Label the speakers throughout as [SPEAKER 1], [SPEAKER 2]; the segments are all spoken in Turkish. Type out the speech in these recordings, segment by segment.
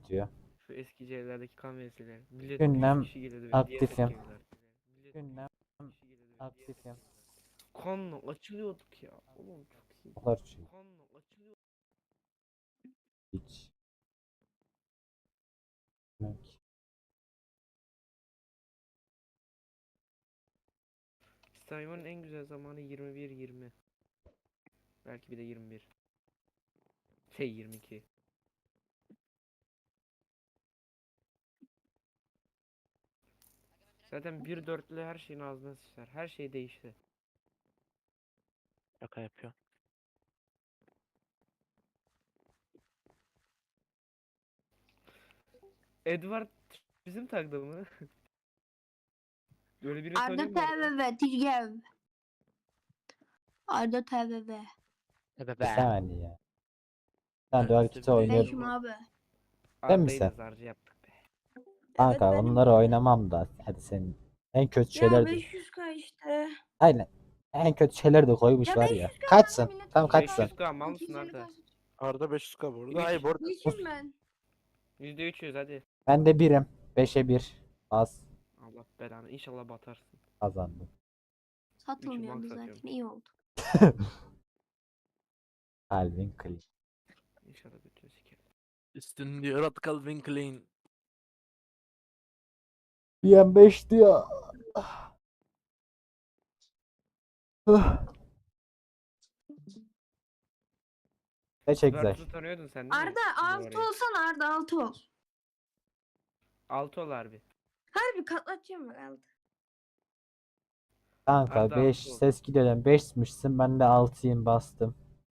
[SPEAKER 1] tutuyor.
[SPEAKER 2] Şu eski evlerdeki kan vesileleri. Millet 100
[SPEAKER 1] Gündem
[SPEAKER 2] kişi geliyordu ve diğer
[SPEAKER 1] aktifim.
[SPEAKER 2] evler.
[SPEAKER 1] Gündem aktifim.
[SPEAKER 2] Kanla açılıyorduk ya. Oğlum çok iyi.
[SPEAKER 1] Olur şey.
[SPEAKER 2] Kanla açılıyorduk.
[SPEAKER 1] Hiç. Yok.
[SPEAKER 2] Saymanın en güzel zamanı 21-20. Belki bir de 21. 22. Zaten 1-4'lü her şeyin ağzına sıçrar. Her şey değişti.
[SPEAKER 3] Şaka yapıyor.
[SPEAKER 2] Edward bizim takdı mı? Öyle biri
[SPEAKER 4] Arda
[SPEAKER 2] tanıyor mu orada?
[SPEAKER 4] TVV Tirgev. Arda TVV.
[SPEAKER 3] Ebe
[SPEAKER 1] Bir
[SPEAKER 3] be.
[SPEAKER 1] saniye ya. Sen
[SPEAKER 3] Evet,
[SPEAKER 1] dual
[SPEAKER 3] işte
[SPEAKER 1] kiti
[SPEAKER 3] bir de
[SPEAKER 1] oynuyordun.
[SPEAKER 4] Beşim abi.
[SPEAKER 1] Sen
[SPEAKER 2] Arda'yı da
[SPEAKER 1] misin?
[SPEAKER 2] zarcı yaptık be.
[SPEAKER 1] Kanka
[SPEAKER 4] benim
[SPEAKER 1] onları
[SPEAKER 4] işte.
[SPEAKER 1] oynamam da. Hadi senin en kötü
[SPEAKER 4] Ya
[SPEAKER 1] şeyler de.
[SPEAKER 4] 500k işte.
[SPEAKER 1] Aynen. En kötü şeyler de koymuş
[SPEAKER 4] Ya
[SPEAKER 1] var
[SPEAKER 4] 500k
[SPEAKER 1] ya.
[SPEAKER 4] kanka
[SPEAKER 1] Kaçsın?
[SPEAKER 4] millet
[SPEAKER 1] Tam
[SPEAKER 4] 200k
[SPEAKER 1] kaçsın?
[SPEAKER 2] 500k mal mısın
[SPEAKER 4] 250k
[SPEAKER 2] Arda?
[SPEAKER 3] Arda 500k burada.
[SPEAKER 2] Üç.
[SPEAKER 3] Hayır bu arada.
[SPEAKER 4] Geçim ben.
[SPEAKER 2] %300 hadi.
[SPEAKER 1] Ben de birim. 5'e 1. Az
[SPEAKER 2] Allah belanı. İnşallah batarsın.
[SPEAKER 1] kazandım.
[SPEAKER 4] Satılmıyordu
[SPEAKER 2] bank
[SPEAKER 4] zaten
[SPEAKER 2] satıyorum.
[SPEAKER 4] iyi oldu.
[SPEAKER 1] Calvin Klein.
[SPEAKER 2] İnşallah götünü sikerim.
[SPEAKER 3] Üstün diyor at Calvin Klein.
[SPEAKER 1] BM5 diyor. Ne güzel.
[SPEAKER 2] Zıbartı'yı tanıyordun sen değil mi?
[SPEAKER 4] Arda 6
[SPEAKER 2] Orayı.
[SPEAKER 4] olsana Arda 6 ol.
[SPEAKER 2] 6 ol harbi.
[SPEAKER 4] Harbi katlatacağım bak 6.
[SPEAKER 1] Kanka
[SPEAKER 2] Arda
[SPEAKER 1] 5
[SPEAKER 2] altı ol.
[SPEAKER 1] ses gidiyordan 5'mişsin, ben de 6'yım, bastım.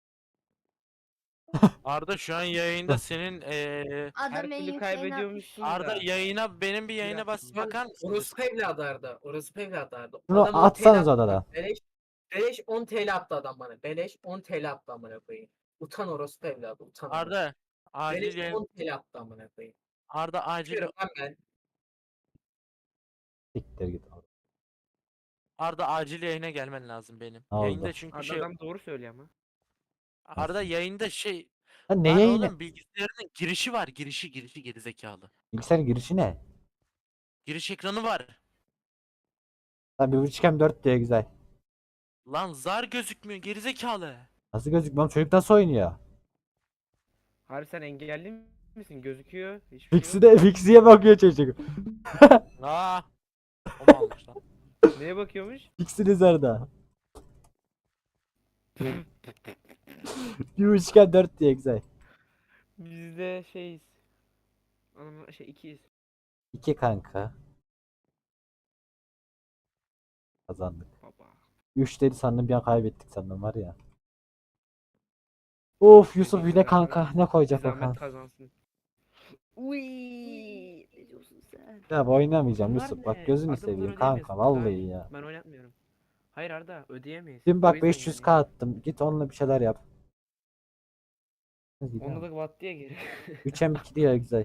[SPEAKER 3] Arda şu an yayında senin
[SPEAKER 4] Adam
[SPEAKER 2] Her
[SPEAKER 4] en
[SPEAKER 2] türlü
[SPEAKER 4] yükseğini
[SPEAKER 2] kaybediyormuşsun
[SPEAKER 3] Arda
[SPEAKER 2] da.
[SPEAKER 3] yayına benim bir yayına
[SPEAKER 2] atayım.
[SPEAKER 3] bas bakar mısın?
[SPEAKER 5] Orospu evladı Arda. Orospu evladı Arda.
[SPEAKER 1] Şunu
[SPEAKER 5] Adam 10 TL
[SPEAKER 1] atsanız
[SPEAKER 5] attı
[SPEAKER 1] odadan.
[SPEAKER 5] bana. Beleş 10 TL attı adam bana. Beleş 10 TL attı amına koyayım. Utan orospu evladı. Utan. amına.
[SPEAKER 3] Arda acil
[SPEAKER 5] Beleş
[SPEAKER 3] yayın
[SPEAKER 5] 10 TL attı amına koyayım.
[SPEAKER 3] Arda acil
[SPEAKER 5] Çıkıyorum lan ben.
[SPEAKER 1] Siktir git.
[SPEAKER 3] Arda acil yayına gelmen lazım benim.
[SPEAKER 1] Ne oldu?
[SPEAKER 3] Yayında çünkü
[SPEAKER 2] Arda
[SPEAKER 3] şey
[SPEAKER 2] adam doğru söylüyor ama.
[SPEAKER 3] Arda
[SPEAKER 1] Nasıl?
[SPEAKER 3] yayında şey
[SPEAKER 1] Ha, ne
[SPEAKER 3] lan
[SPEAKER 1] yayını?
[SPEAKER 3] oğlum bilgisayarının girişi var. Girişi gerizekalı.
[SPEAKER 1] Bilgisayar girişi ne?
[SPEAKER 3] Giriş ekranı var.
[SPEAKER 1] Lan 1.5 4 diye güzel.
[SPEAKER 3] Lan zar gözükmüyor gerizekalı.
[SPEAKER 1] Nasıl gözükmüyor? Çocuk nasıl oynuyor?
[SPEAKER 2] Harbi sen engelli misin? Gözüküyor. Hiçbir şey yok.
[SPEAKER 1] Fixi'ye bakıyor çocuk.
[SPEAKER 3] Aa. O mu almış lan?
[SPEAKER 2] Neye bakıyormuş?
[SPEAKER 1] Fixiniz orada. 1.5 4 diye güzel.
[SPEAKER 2] Biz de şeyiz. Anam şey ikiyiz.
[SPEAKER 1] 2 kanka. Kazandık.
[SPEAKER 2] Baba.
[SPEAKER 1] 3 dedi sandım, bir an kaybettik sandım var ya. Of Yusuf
[SPEAKER 2] Dediğim
[SPEAKER 1] yine
[SPEAKER 2] kadar para.
[SPEAKER 1] kanka, ne
[SPEAKER 2] Bir
[SPEAKER 1] koyacak
[SPEAKER 2] zahmet
[SPEAKER 1] bakalım.
[SPEAKER 2] kazansın. Uy, ne diyorsun sen?
[SPEAKER 1] Ya oynamayacağım
[SPEAKER 2] Bunlar
[SPEAKER 1] Yusuf, bak
[SPEAKER 2] ne?
[SPEAKER 1] gözünü
[SPEAKER 2] Arda bunları
[SPEAKER 1] seveyim
[SPEAKER 2] ödeyemeyiz.
[SPEAKER 1] kanka,
[SPEAKER 2] Daha
[SPEAKER 1] vallahi
[SPEAKER 2] iyi.
[SPEAKER 1] ya.
[SPEAKER 2] Ben oynatmıyorum. Hayır Arda ödeyemeyiz.
[SPEAKER 1] Dün
[SPEAKER 2] O
[SPEAKER 1] bak
[SPEAKER 2] yüzden
[SPEAKER 1] 500k
[SPEAKER 2] yani.
[SPEAKER 1] attım, git onunla bir şeyler yap.
[SPEAKER 2] Onda da bat diye geri.
[SPEAKER 1] 3'e 2 diye güzel.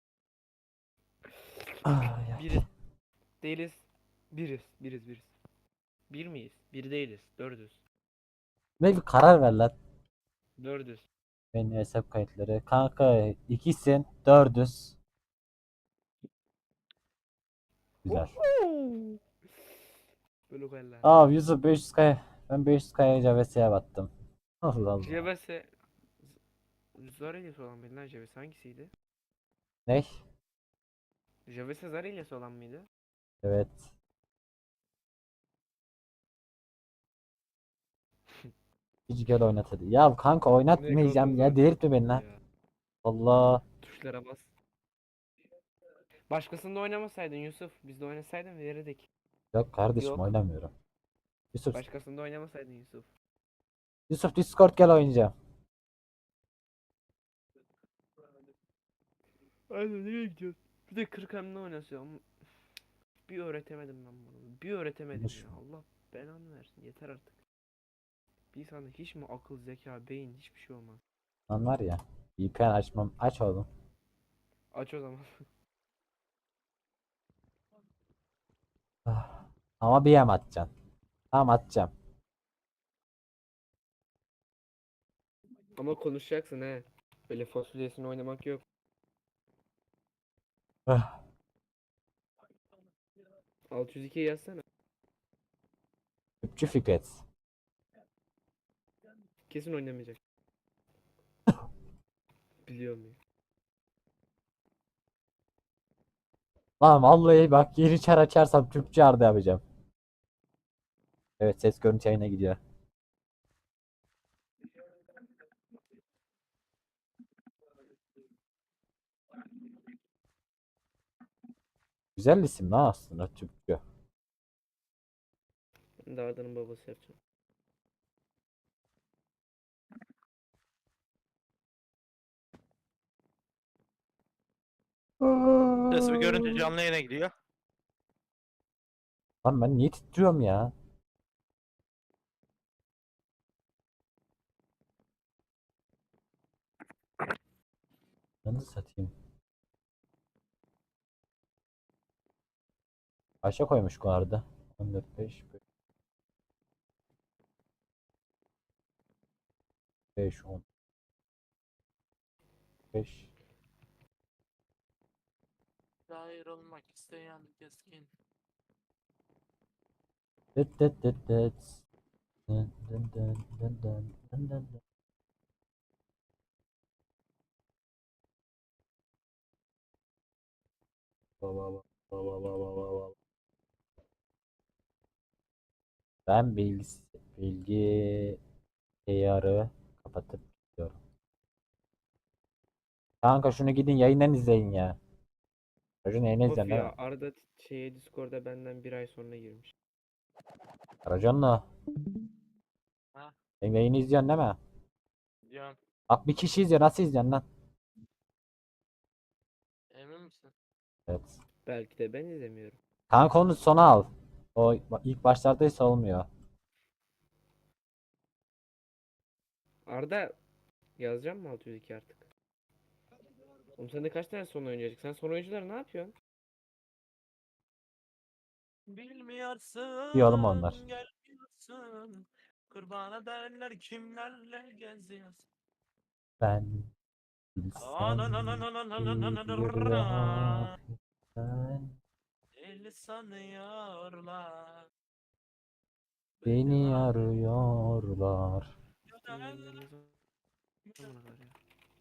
[SPEAKER 1] Ay, ay.
[SPEAKER 2] Biriz. Değiliz. Biriz. Bir miyiz? Bir değiliz. Dördüz.
[SPEAKER 1] Ne bir karar ver lan.
[SPEAKER 2] Dördüz.
[SPEAKER 1] Benim hesap kayıtları. Kanka 2'sin 4'üz. Güzel.
[SPEAKER 2] Böyle koyarlar.
[SPEAKER 1] Aa Yusuf 500k, ben 500k'ya Javes'e battım. Allah Allah.
[SPEAKER 2] JBS zar hilesi olan mıydı lan JBS hangisiydi?
[SPEAKER 1] Ne?
[SPEAKER 2] JBS zar hilesi olan mıydı?
[SPEAKER 1] Evet. Hiç gel oynat hadi. Ya kanka oynatmayacağım ya, delirtme beni lan.
[SPEAKER 2] Ya.
[SPEAKER 1] Allah.
[SPEAKER 2] Tuşlara bas. Başkasında oynamasaydın Yusuf. Biz de oynasaydın verirdik.
[SPEAKER 1] Yok kardeşim,
[SPEAKER 2] Yok.
[SPEAKER 1] oynamıyorum. Yusuf.
[SPEAKER 2] Başkasında oynamasaydın Yusuf.
[SPEAKER 1] Yusuf Discord gel oynayacağım.
[SPEAKER 2] Aynen nereye gidiyorsun? Bir de 40 hamle oynasıyorum. Bir öğretemedim ben bunu. Bir öğretemedim
[SPEAKER 1] Konuşma.
[SPEAKER 2] ya. Allah belanı versin. Yeter artık. Bir insanda hiç mi akıl, zeka, beyin hiçbir şey olmaz.
[SPEAKER 1] Lan var ya. VPN açmam. Aç oğlum.
[SPEAKER 2] Aç o zaman.
[SPEAKER 1] Ah. Ama bir yem atacaksın. Tamam atacağım.
[SPEAKER 2] Ama konuşacaksın he. Böyle fasulyesini oynamak yok.
[SPEAKER 1] Ah,
[SPEAKER 2] 602 yazsana.
[SPEAKER 1] Tüpçü Fikret.
[SPEAKER 2] Kesin oynamayacak. Biliyor muyum?
[SPEAKER 1] Lan vallahi bak yeni çar açarsam Türkçe Arda yapacağım. Evet, ses görüntü yayına gidiyor. Güzel isim lan aslında Türkçe.
[SPEAKER 2] Ben de Arda'nın babası yapacağım.
[SPEAKER 3] Ses ve görüntü canlı yayına gidiyor.
[SPEAKER 1] Lan ben niye titriyorum ya? Nasıl satayım? Kaça koymuş bu arada? 14 5 5 10 5.
[SPEAKER 3] Ayrılmak isteyen keskin.
[SPEAKER 1] Dıt dıt dıt dıt. Dın dın dın dın dın dın dın dın. Ba ba ba ba ba ba ba ba ba. Ben bilgi ayarı kapatıp gidiyorum. Kanka şunu gidin yayından izleyin ya. Racon yayını
[SPEAKER 2] Of
[SPEAKER 1] izleyin değil mi?
[SPEAKER 2] ya Arda şeye Discord'a benden bir ay sonra girmiş.
[SPEAKER 1] Racon'la.
[SPEAKER 3] Ha?
[SPEAKER 1] Sen yayını izliyorsun değil mi?
[SPEAKER 3] Diyorum.
[SPEAKER 1] Bak bir kişi izliyor, nasıl izliyorsun lan?
[SPEAKER 3] Emin misin?
[SPEAKER 1] Evet.
[SPEAKER 2] Belki de ben izlemiyorum.
[SPEAKER 1] Kanka onu sona al. O ilk başlardaysa olmuyor.
[SPEAKER 2] Arda yazacağım mı 602 artık? Oğlum sende kaç tane son oyuncu açık? Sen son oyuncuları ne yapıyorsun?
[SPEAKER 3] Bilmiyorsun.
[SPEAKER 1] İyi oğlum onlar.
[SPEAKER 3] Gelmiyorsun. Kurban ederler kimlerle geziyorsun.
[SPEAKER 1] Ben bilsem bir hafiften
[SPEAKER 3] Deli sanıyorlar.
[SPEAKER 1] beni arıyorlar.
[SPEAKER 2] Yayınlarınız zamana kadar ya.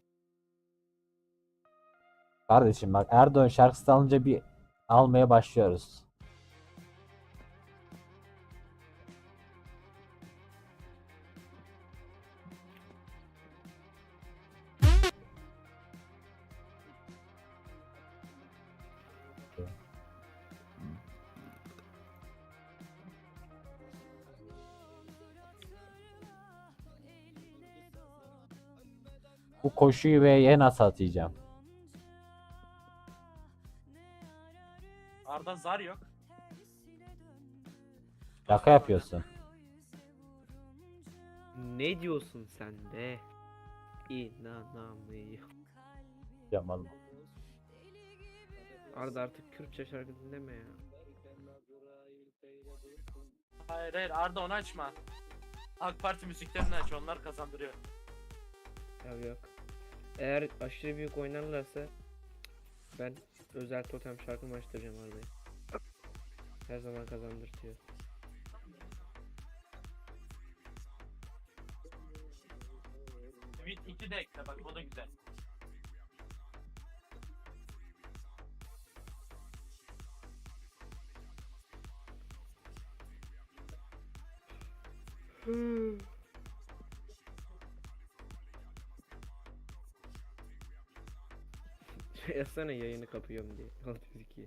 [SPEAKER 1] Kardeşim bak, Erdoğan şarkısı alınca bir almaya başlıyoruz. Bu koşuyu ve nasıl atacağım?
[SPEAKER 3] Arda zar yok.
[SPEAKER 1] Şaka yapıyorsun.
[SPEAKER 2] Ne diyorsun sen be? İnanamıyorum.
[SPEAKER 1] Yaman.
[SPEAKER 2] Arda artık Kürtçe şarkı dinleme ya.
[SPEAKER 3] Hayır hayır Arda onu açma. AK Parti müziklerini aç, onlar kazandırıyor.
[SPEAKER 2] Ya yok. Eğer aşırı büyük oynarlarsa ben özel totem şarkımı açtıracağım Arda'ya. Her zaman kazandırtıyor.
[SPEAKER 3] Tweet 2 de ekle bak, o da güzel.
[SPEAKER 2] Yazsana yayını kapıyorum diye. 602.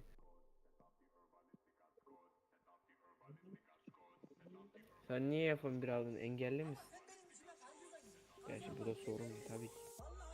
[SPEAKER 2] Sen niye F11 aldın? Engelli misin? Gerçi bu da sorun tabii ki.